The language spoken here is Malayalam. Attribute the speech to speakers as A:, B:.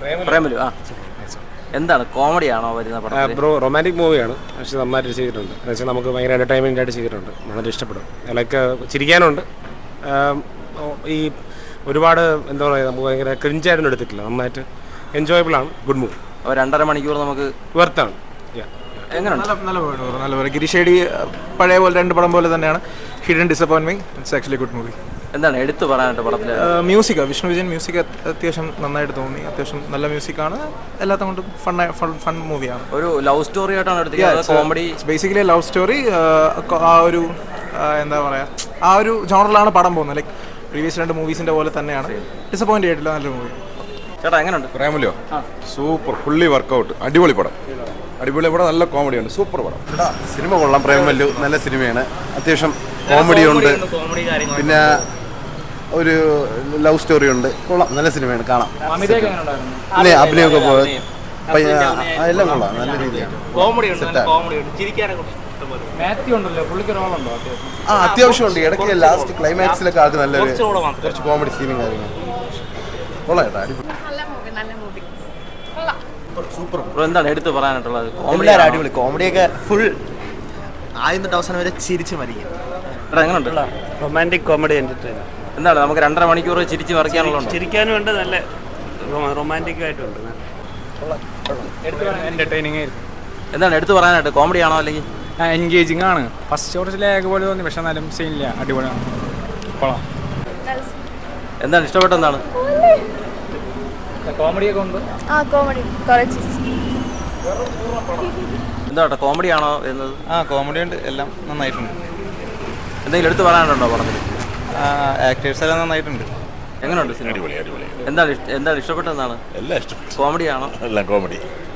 A: പ്രേമലു. ആ, എന്താണ് കോമഡിയാണോ വരുന്ന പടം?
B: ബ്രോ റൊമാൻറ്റിക് മൂവിയാണ്, പക്ഷേ നന്നായിട്ട് ചെയ്തിട്ടുണ്ട്. എന്ന് വെച്ചാൽ നമുക്ക് ഭയങ്കര എൻ്റർടൈൻമെൻ്റ് ആയിട്ട് ചെയ്തിട്ടുണ്ട്. വളരെ ഇഷ്ടപ്പെടും. ലൈക്ക് ചിരിക്കാനുണ്ട്. ഈ ഒരുപാട് എന്താ പറയുക, നമുക്ക് ഭയങ്കര ക്രിഞ്ചായിട്ടൊന്നും എടുത്തിട്ടില്ല. നന്നായിട്ട് എൻജോയബിൾ ആണ്. Good movie.
A: 2.5 മണിക്കൂർ നമുക്ക്
B: വെർത്താണ്.
C: നല്ല പോലെ ഗിരിഷേടി പഴയ പോലെ 2 പടം പോലെ തന്നെയാണ്. Hidden disappointment. It's actually good movie.
A: എന്താണ് എടുത്തു പറയാനായിട്ട് പടത്തിൽ?
C: മ്യൂസിക്, വിഷ്ണു വിജയൻ മ്യൂസിക് അത്യാവശ്യം നന്നായിട്ട് തോന്നി. അത്യാവശ്യം നല്ല മ്യൂസിക്കാണ്. എല്ലാത്തും കൊണ്ടും ഫൺ മൂവിയാണ്.
A: ഒരു ലവ് സ്റ്റോറി ആയിട്ടാണ് എടുത്തിരിക്കുന്നത്. Comedy
C: basically love story. ആ ഒരു എന്താ പറയുക, ആ ഒരു ജോണറിലാണ് പടം പോകുന്നത്. ലൈക്ക് പ്രീവിയസ് 2 മൂവീസിൻ്റെ പോലെ തന്നെയാണ്. ഡിസപ്പോയിൻ്റ് ആയിട്ടില്ല. നല്ലൊരു മൂവി.
A: ചേട്ടാ എങ്ങനെയുണ്ട്?
D: പ്രേമലോ സൂപ്പർ, ഫുള്ളി വർക്കൗട്ട്, അടിപൊളി പടം. നല്ല കോമഡിയുണ്ട്. സൂപ്പർ പടം.
E: സിനിമ കൊള്ളാം. പ്രേമലു നല്ല സിനിമയാണ്. അത്യാവശ്യം കോമഡിയുണ്ട്, പിന്നെ ഒരു ലവ് സ്റ്റോറി ഉണ്ട്. കൊള്ളാം, നല്ല സിനിമയാണ്, കാണാം. പിന്നെ അഭിനയമൊക്കെ എല്ലാം കൊള്ളാം, നല്ല രീതിയാണ്. അത്യാവശ്യം ഉണ്ട്. ഇടയ്ക്ക് ലാസ്റ്റ് ക്ലൈമാക്സിലൊക്കെ ആൾക്ക് നല്ലൊരു കുറച്ച് കോമഡി സീനും കാര്യങ്ങളും കൊള്ളാം. ചേട്ടാ അടിപൊളി.
A: സൂപ്പർ. എന്താണ് എടുത്ത് പറയാനായിട്ടുള്ളത്?
F: എല്ലാവരും അടിപൊളി. കോമഡിയൊക്കെ ഫുൾ ആദ്യം തൊട്ട് അവസാനം വരെ ചിരിച്ച് മരിക്കും.
A: എങ്ങനെയുണ്ട്?
G: Romantic comedy entertainer.
A: എന്താണ് നമുക്ക് 2.5 മണിക്കൂർ ചിരിച്ച് മറിക്കാനുള്ളത്?
G: ചിരിക്കാനും ഉണ്ട്, നല്ല റൊമാൻറ്റിക് ആയിട്ടുണ്ട്.
H: എൻ്റർടൈനിങ് ആയിരുന്നു.
A: എന്താണ് എടുത്ത് പറയാനായിട്ട്? കോമഡി ആണോ അല്ലെങ്കിൽ
H: എൻഗേജിങ് ആണ്? ഫസ്റ്റ് കുറച്ച് ലാഗ് പോലെ തോന്നി, പക്ഷെ എന്നാലും സീനില്ല, അടിപൊളിയാണ്. കൊള്ളാം.
A: എന്താണ് ഇഷ്ടപ്പെട്ട? എന്താണ്
H: കോമഡിയൊക്കെ ഉണ്ട്.
A: എന്താ കോമഡി ആണോ വരുന്നത്?
C: കോമഡി ഉണ്ട്, എല്ലാം നന്നായിട്ടുണ്ട്.
A: എന്തെങ്കിലും എടുത്ത് പറയാനുണ്ടോ പടത്തിൽ?
C: ആക്ടേഴ്സ് എല്ലാം നന്നായിട്ടുണ്ട്.
A: എങ്ങനെയുണ്ട് സിനിമ?
D: അടിപൊളി.
A: എന്താണ് ഇഷ്ടപ്പെട്ടത്? എന്താണ്
D: എല്ലാം ഇഷ്ടപ്പെട്ടു.
A: കോമഡി ആണോ?
D: എല്ലാം കോമഡി.